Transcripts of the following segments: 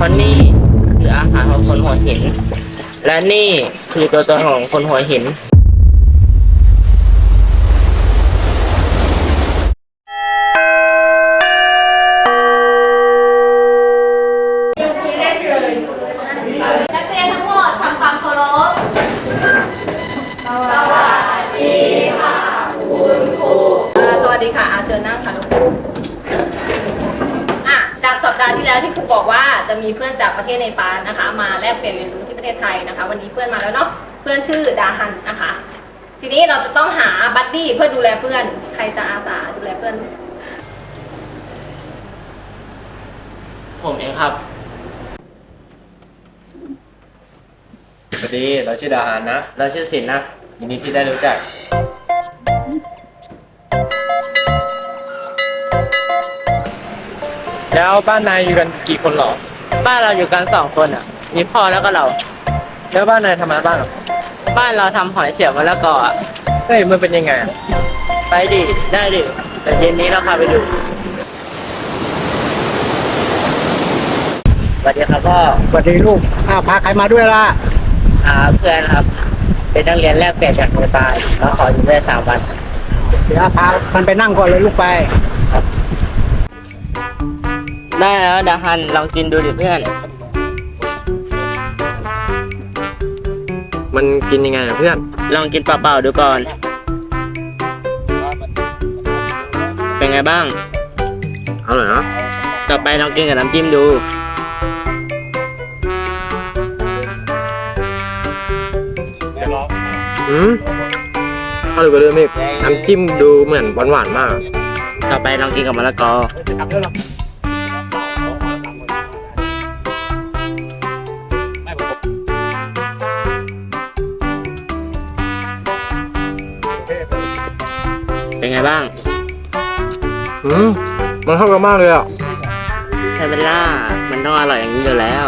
ราะนี่คืออาหารของคนหัวหินและนี่คือตัวตนของคนหัวหินนักเรียนทั้งหมดทำความเคารพสวัสดีค่ะคุณครูสวัสดีค่ะเชิญนั่งค่ะลูกจากสัปดาห์ที่แล้วที่ครูบอกว่าจะมีเพื่อนจากประเทศเนปาลนะคะมาแลกเปลี่ยนเรียนรู้ที่ประเทศไทยนะคะวันนี้เพื่อนมาแล้วเนาะเพื่อนชื่อดาฮันนะคะทีนี้เราจะต้องหาบัดดี้เพื่อดูแลเพื่อนใครจะอาสาดูแลเพื่อนผมเองครับสวัสดีเราชื่อดาฮานนะเราชื่อสินนะยินดีที่ได้รู้จักแล้วบ้านนายอยู่กันกี่คนหรอบ้านเราอยู่กัน2 คนอ่ะมีพ่อแล้วก็เราแล้วบ้านนายทำอะไรบ้างบ้านเราทำหอยเสียบมะละกออ่ะเฮ้ยมันเป็นยังไงไปดิได้ดิแต่เย็นนี้เราพาไปดูสวัสดีครับพ่อสวัสดีลูกพาใครมาด้วยล่ะเพื่อนครับเป็นนักเรียนแลกเปลี่ยนจากเนปาลเราขออยู่ได้3 วันเดี๋ยวพามันไปนั่งก่อนเลยลูกไปได้แล้วดาฮันลองกินดูดิเพื่อนมันกินยังไงเพื่อนลองกินเปล่าๆดูก่อนเป็นไงบ้างอร่อยนะต่อไปลองกินกับน้ำจิ้มดูอร่อยกว่าเดิมอีกน้ำจิ้มดูเหมือนหวานๆมากต่อไปลองกินกับมะละกอเป็นไงบ้างมันเข้ากันมากเลยอ่ะใช่เวลามันต้องอร่อยอย่างนี้อยู่แล้ว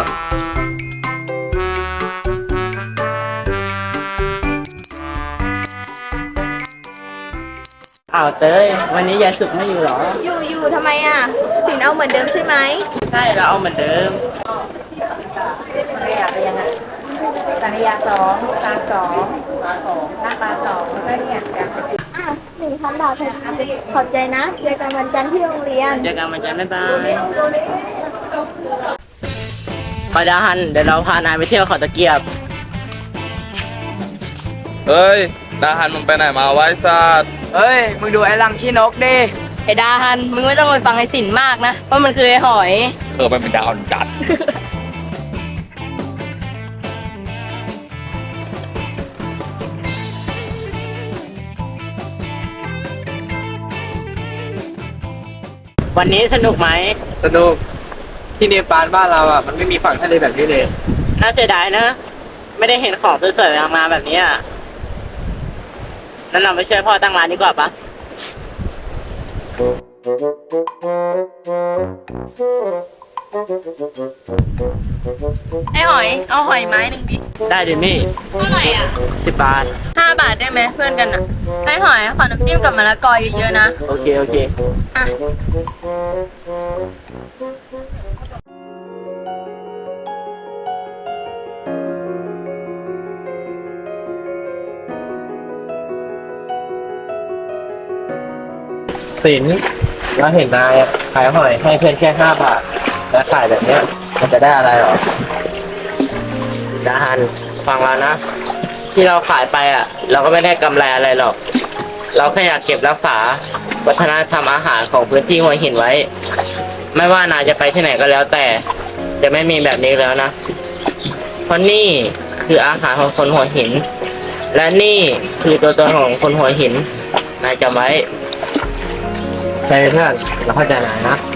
เต้ยวันนี้ยายสุกไม่อยู่หรออยู่ทำไมอ่ะสินเอาเหมือนเดิมใช่ไหมใช่เราเอาเหมือนเดิมสังขยาเป็นยังไงสังขยา2ปลา2หน้าปลา2แล้วก็เนี่ย1,000 บาทขอบใจนะเจอกันวันจันทร์ที่โรงเรียนเจอกันวันจันทร์บ๊ายบายพอดาฮันเดี๋ยวเราพานายไปเที่ยวเขาตะเกียบเฮ้ยดาฮันมึงไปไหนมาไว้สัตว์เฮ้ยมึงดูไอ้ลำขี้นกดิไอ้ดาฮันมึงไม่ต้องไปฟังไอ้สินมากนะเพราะมันคือไอ้หอยมันเป็นดาวจัดวันนี้สนุกไหมสนุกที่เนปาลบ้านเราอ่ะมันไม่มีฝั่งทะเลแบบนี้เลยน่าเสียดายนะไม่ได้เห็นของสวยๆมาแบบนี้นั่นเราไปช่วยพ่อตั้งร้านดีกว่าปะไอ้หอยเอาหอยไม้1ดิได้ดิมี่เท่าไหร่อ่ะ 10 บาท 5 บาทได้ไหมเพื่อนกันอ่ะไอ้หอยขอน้ำจิ้มกับมะละกอเยอะๆนะโอเคสินเราเห็นนายขายหอยให้เพื่อนแค่5 บาทแล้วขายแบบเนี้ยมันจะได้อะไรหรอดาฮันฟังเรานะที่เราขายไปเราก็ไม่ได้กำไรอะไรหรอกเราแค่อยากเก็บรักษาวัฒนธรรมอาหารของพื้นที่หัวหินไว้ไม่ว่านายจะไปที่ไหนก็แล้วแต่จะไม่มีแบบนี้แล้วนะเพราะนี่คืออาหารของคนหัวหินและนี่คือตัวตนของคนหัวหินนายจำไว้ใช่เพื่อนเราเข้าใจนายนะ